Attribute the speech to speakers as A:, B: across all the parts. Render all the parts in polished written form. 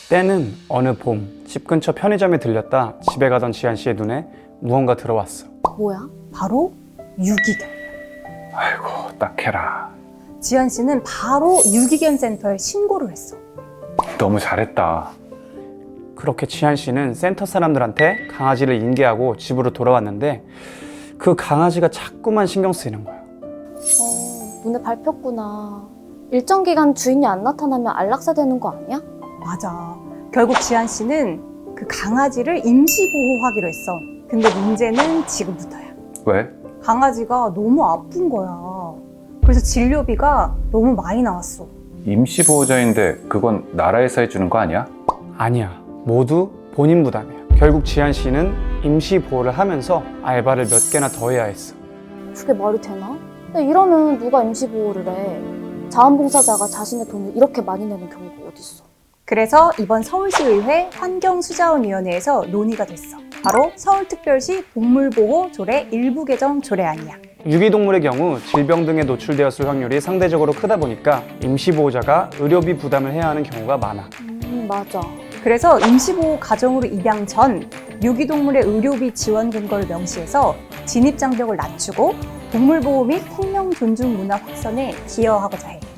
A: 때는 어느 봄, 집 근처 편의점에 들렸다 집에 가던 지한 씨의 눈에 무언가 들어왔어.
B: 뭐야?
C: 바로 유기견.
D: 아이고, 딱해라.
C: 지한 씨는 바로 유기견 센터에 신고를 했어.
D: 너무 잘했다.
A: 그렇게 지한 씨는 센터 사람들한테 강아지를 인계하고 집으로 돌아왔는데 그 강아지가 자꾸만 신경 쓰이는 거야.
B: 눈에 밟혔구나. 일정 기간 주인이 안 나타나면 안락사 되는 거 아니야?
C: 맞아. 결국 지한 씨는 그 강아지를 임시보호하기로 했어. 근데 문제는 지금부터야.
D: 왜?
C: 강아지가 너무 아픈 거야. 그래서 진료비가 너무 많이 나왔어.
D: 임시보호자인데 그건 나라에서 해주는 거 아니야?
A: 아니야. 모두 본인 부담이야. 결국 지한 씨는 임시 보호를 하면서 알바를 몇 개나 더 해야 했어.
B: 그게 말이 되나? 근데 이러면 누가 임시보호를 해? 자원봉사자가 자신의 돈을 이렇게 많이 내는 경우가 어딨어?
C: 그래서 이번 서울시의회 환경수자원위원회에서 논의가 됐어. 바로 서울특별시 동물보호 조례 일부 개정 조례안이야.
A: 유기동물의 경우 질병 등에 노출되었을 확률이 상대적으로 크다 보니까 임시보호자가 의료비 부담을 해야 하는 경우가 많아.
B: 맞아.
C: 그래서 임시보호 가정으로 입양 전 유기동물의 의료비 지원 근거를 명시해서 진입장벽을 낮추고 동물보호 및 생명 존중 문화 확산에 기여하고자 해.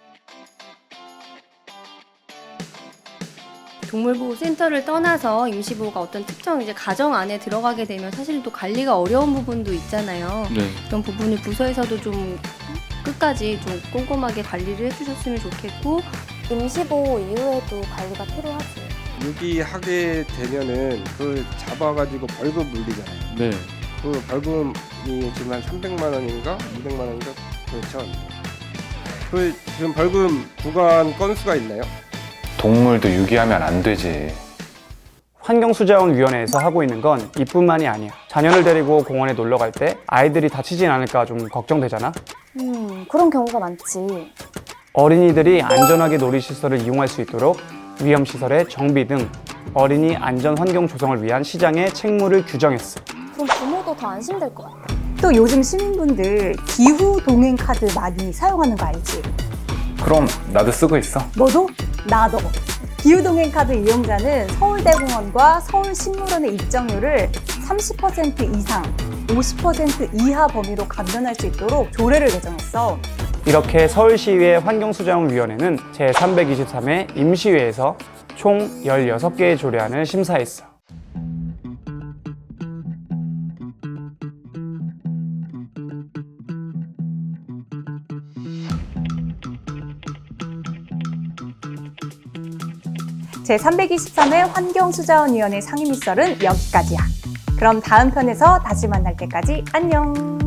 E: 동물보호센터를 떠나서 임시보호가 어떤 특정 이제 가정 안에 들어가게 되면 사실 또 관리가 어려운 부분도 있잖아요.
F: 네.
E: 그런 부분을 부서에서도 좀 끝까지 좀 꼼꼼하게 관리를 해주셨으면 좋겠고,
B: 임시보호 이후에도 관리가 필요하지.
G: 유기하게 되면은 그 잡아가지고 벌금 물리잖아요.
F: 네.
G: 그 벌금이 지금 한 300만 원인가 200만 원인가 그렇죠. 그 지금 벌금 구간 건수가 있나요?
D: 동물도 유기하면 안 되지.
A: 환경수자원위원회에서 하고 있는 건 이뿐만이 아니야. 자녀를 데리고 공원에 놀러 갈 때 아이들이 다치진 않을까 좀 걱정되잖아.
B: 그런 경우가 많지.
A: 어린이들이 안전하게 놀이시설을 이용할 수 있도록 위험시설의 정비 등 어린이 안전 환경 조성을 위한 시장의 책무를 규정했어.
B: 그럼 부모도 더 안심될 것 같아.
C: 또 요즘 시민분들 기후 동행 카드 많이 사용하는 거 알지?
D: 그럼 나도 쓰고 있어.
C: 너도? 나도. 기후 동행 카드 이용자는 서울대공원과 서울식물원의 입장료를 30% 이상, 50% 이하 범위로 감면할 수 있도록 조례를 개정했어.
A: 이렇게 서울시의회 환경수자원위원회는 제323회 임시회에서 총 16개의 조례안을 심사했어.
C: 제323회 환경수자원위원회 상임위설은 여기까지야. 그럼 다음 편에서 다시 만날 때까지 안녕.